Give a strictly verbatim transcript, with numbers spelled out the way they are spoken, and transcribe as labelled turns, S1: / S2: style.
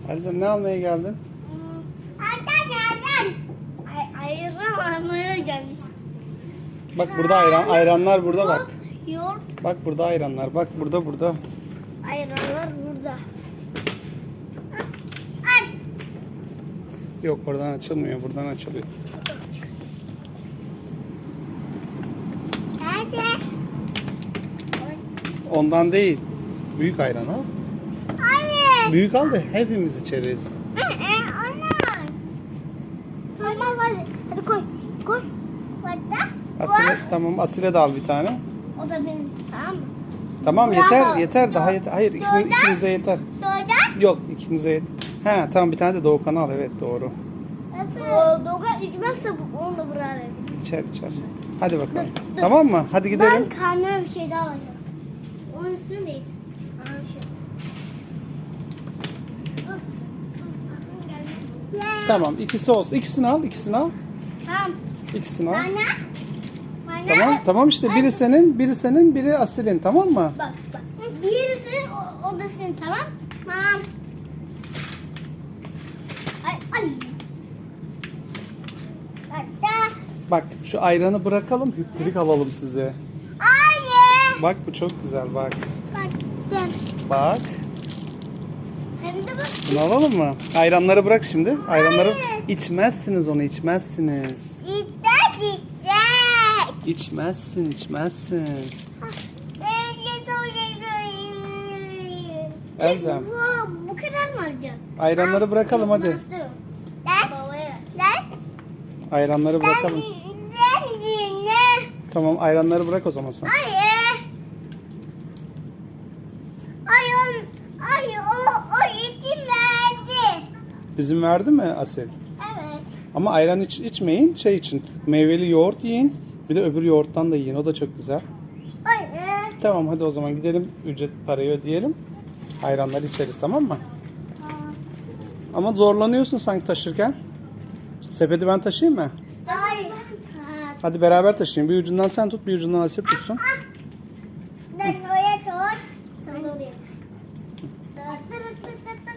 S1: Elzem ne almaya geldin?
S2: Ayran ayran. Ay, ayran almaya gelmiş.
S1: Bak burada ayran, ayranlar burada bak.
S2: Yoğurt.
S1: Bak burada ayranlar. Bak burada burada.
S2: Ayranlar burada. Ay.
S1: Yok oradan açılmıyor. Buradan açılıyor.
S2: Nerede?
S1: Ondan değil. Büyük ayran al.
S2: Hayır.
S1: Büyük al da hepimiz içeriz.
S2: Ee, ana. Tamam hadi. Hadi koy. Koy. Burada.
S1: Asile, tamam Asile de al bir tane.
S2: O da benim. Tamam mı?
S1: Tamam
S2: Bravo.
S1: yeter yeter daha yeter. Hayır ikinize,
S2: Doğru.
S1: ikinize yeter.
S2: Doğuda.
S1: Yok ikinize yeter. He tamam bir tane de Doğukan al evet doğru.
S2: O Doğukan içmezse bu- onu da buraya verin.
S1: İçer içer. Hadi bakalım.
S2: Dur, dur.
S1: Tamam mı? Hadi gidelim.
S2: Ben kendime bir şey daha alacağım. Onun üstüne değil. Aa, şu. Dur. Dur, sakın gelme.
S1: Tamam ikisi olsun. İkisini al ikisini al.
S2: Tamam.
S1: İkisini al.
S2: Bana. Bana.
S1: Tamam tamam işte biri senin biri senin biri Asil'in tamam mı?
S2: Bak bak. Birisi o, o da senin tamam. Tamam. Ay ay. Hatta.
S1: Bak şu ayranı bırakalım hüptürük alalım size.
S2: Anne.
S1: Bak bu çok güzel bak.
S2: Bak. Gel.
S1: Bak.
S2: Hem de bak.
S1: Bunu alalım mı? Ayranları bırak şimdi. Ayranları
S2: Hayır.
S1: içmezsiniz onu içmezsiniz.
S2: İddet iddet.
S1: İçmezsin içmezsin. Elzem.
S2: Bu, bu kadar mı alacağım?
S1: Ayranları bırakalım hadi.
S2: Lan. Lan.
S1: Ayranları bırakalım.
S2: Lan dinle.
S1: Tamam ayranları bırak o zaman sen.
S2: Hayır. Ay, o, ay o, o yetim verdi.
S1: Üzüm verdi mi Asil?
S2: Evet.
S1: Ama ayran iç, içmeyin şey için. Meyveli yoğurt yiyin. Bir de öbür yoğurttan da yiyin. O da çok güzel.
S2: Hayır.
S1: Tamam hadi o zaman gidelim. Ücret parayı ödeyelim. Ayranları içeriz tamam mı? Ama zorlanıyorsun sanki taşırken. Sepeti ben taşıyayım mı?
S2: Hayır.
S1: Hadi beraber taşıyın. Bir ucundan sen tut, bir ucundan Asil tutsun.
S2: Ben oraya koy. Sen de oraya.